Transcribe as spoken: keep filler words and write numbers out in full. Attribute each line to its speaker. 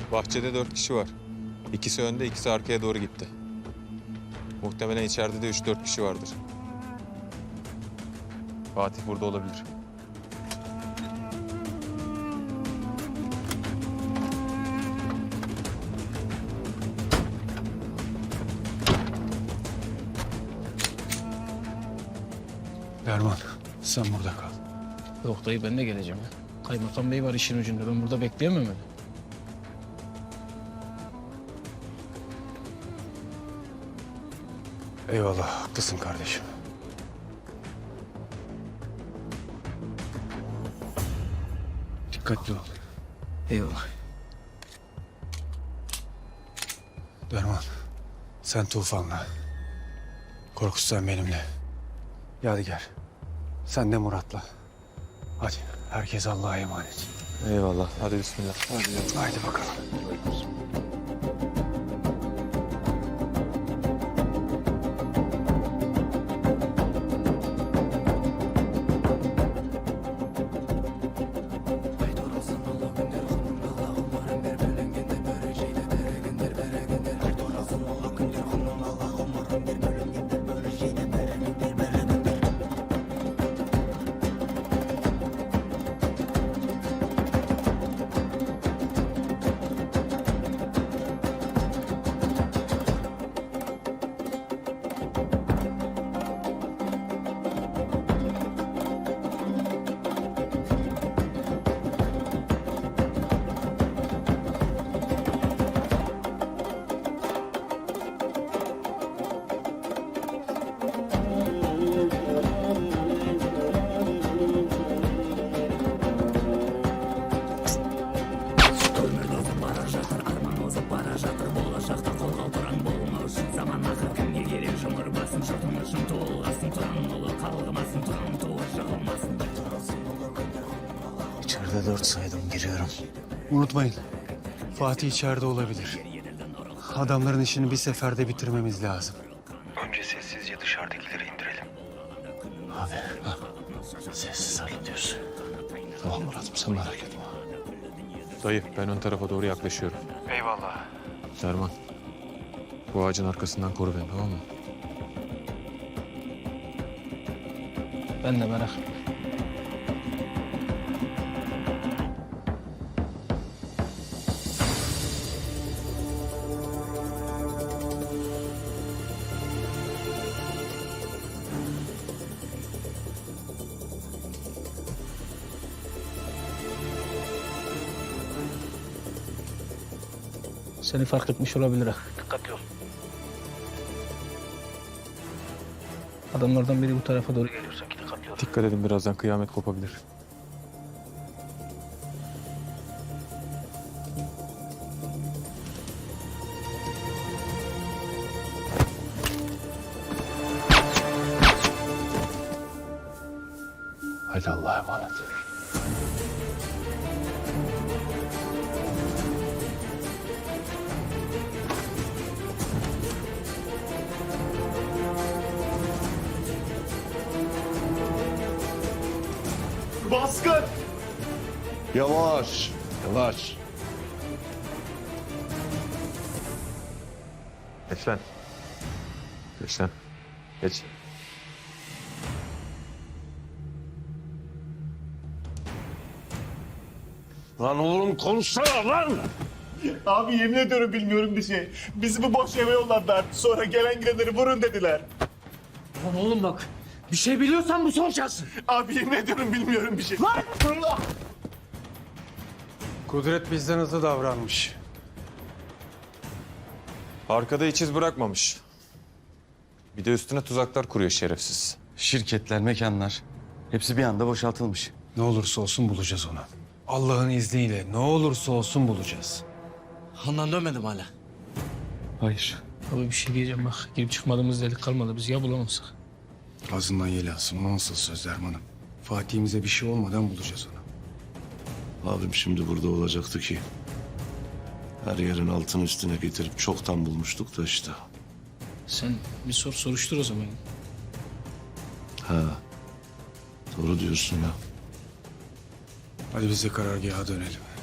Speaker 1: Bahçede dört kişi var. İkisi önde, ikisi arkaya doğru gitti. Muhtemelen içeride de üç dört kişi vardır. Fatih burada olabilir.
Speaker 2: Derman, sen burada kal.
Speaker 3: Yok dayı, ben de geleceğim ya. Kaymakam bey var işin ucunda. Ben burada bekleyemem öyle.
Speaker 2: Eyvallah, haklısın kardeşim. Dikkatli ol.
Speaker 3: Eyvallah.
Speaker 2: Derman, sen Tufan'la. Korkut sen benimle. Yadigar, sen de Murat'la. Hadi, herkes Allah'a emanet.
Speaker 1: Eyvallah. Hadi bismillah. Hadi.
Speaker 2: Haydi bakalım.
Speaker 4: İçeride dört saydım, giriyorum.
Speaker 2: Unutmayın, Fatih içeride olabilir. Adamların işini bir seferde bitirmemiz lazım.
Speaker 4: Önce sessizce dışarıdakileri indirelim. Abi, sessiz hallediyoruz.
Speaker 2: Tamam Murat'ım, sen merak etme.
Speaker 1: Dayı, ben ön tarafa doğru yaklaşıyorum.
Speaker 2: Eyvallah.
Speaker 1: Derman, bu ağacın arkasından koru beni, tamam mı?
Speaker 3: Ben de merak. Seni fark etmiş olabilir ha. Dikkatli ol. Adamlardan biri bu tarafa doğru geliyor sanki. Dikkatli ol.
Speaker 1: Dikkat edin, birazdan kıyamet kopabilir.
Speaker 2: Hadi Allah'a emanet.
Speaker 5: Baskın! Yavaş, yavaş.
Speaker 1: Geç lan. Geç lan. Geç.
Speaker 5: Lan oğlum konuşsana lan! Abi yemin ediyorum bilmiyorum bir şey. Bizi bu boş eve yolladılar. Sonra gelen gidenleri vurun dediler.
Speaker 6: Lan oğlum bak, bir şey biliyorsan bu son şansın.
Speaker 5: Abi yemin ediyorum bilmiyorum bir şey. Lan!
Speaker 2: Kudret bizden hızlı davranmış.
Speaker 1: Arkada hiç iz bırakmamış. Bir de üstüne tuzaklar kuruyor şerefsiz.
Speaker 4: Şirketler, mekanlar hepsi bir anda boşaltılmış.
Speaker 2: Ne olursa olsun bulacağız onu. Allah'ın izniyle ne olursa olsun bulacağız.
Speaker 6: Handan dönmedim hala.
Speaker 4: Hayır.
Speaker 3: Abi bir şey diyeceğim bak. Girip çıkmadığımız delik kalmadı. Biz ya bulamazsak.
Speaker 2: Ağzından yel alsın. O nasıl söz Derman'ım? Fatih'imize bir şey olmadan bulacağız onu.
Speaker 7: Abim şimdi burada olacaktı ki. Her yerin altını üstüne getirip çoktan bulmuştuk da işte.
Speaker 3: Sen bir sor soruştur o zaman.
Speaker 7: Ha. Doğru diyorsun ya.
Speaker 2: Hadi biz de karargaha dönelim.